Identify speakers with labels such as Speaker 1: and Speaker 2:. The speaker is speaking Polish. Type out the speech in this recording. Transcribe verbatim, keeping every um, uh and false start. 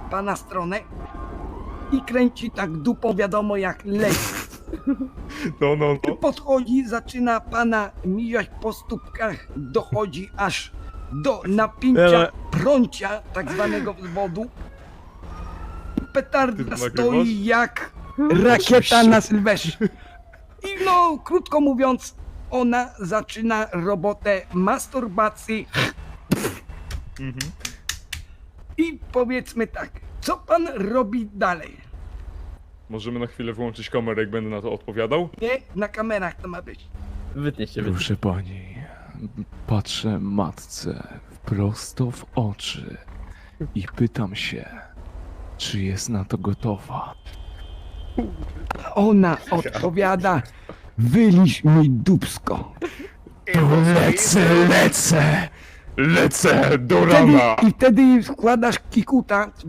Speaker 1: pana stronę i kręci tak dupą, wiadomo jak leci.
Speaker 2: No, no, no.
Speaker 1: Podchodzi, zaczyna pana mijać po stópkach, dochodzi aż do napięcia
Speaker 3: Ale-
Speaker 1: prącia, tak zwanego wzwodu. Petarda
Speaker 2: Ty to nagrywasz?
Speaker 1: stoi jak rakieta na Sylwestrze. I no, krótko mówiąc, ona zaczyna robotę masturbacji.
Speaker 2: Mhm.
Speaker 1: I powiedzmy tak, co pan robi dalej?
Speaker 2: Możemy na chwilę wyłączyć kamerę, jak będę na to odpowiadał?
Speaker 1: Nie? Na kamerach to ma być.
Speaker 3: Wytnie się, wytnie.
Speaker 4: Proszę pani, patrzę matce prosto w oczy i pytam się, czy jest na to gotowa.
Speaker 1: A ona odpowiada, wyliś mi dupsko.
Speaker 4: Lecę, lecę! Lecę do
Speaker 1: Wtedy,
Speaker 4: rana!
Speaker 1: I wtedy wkładasz kikuta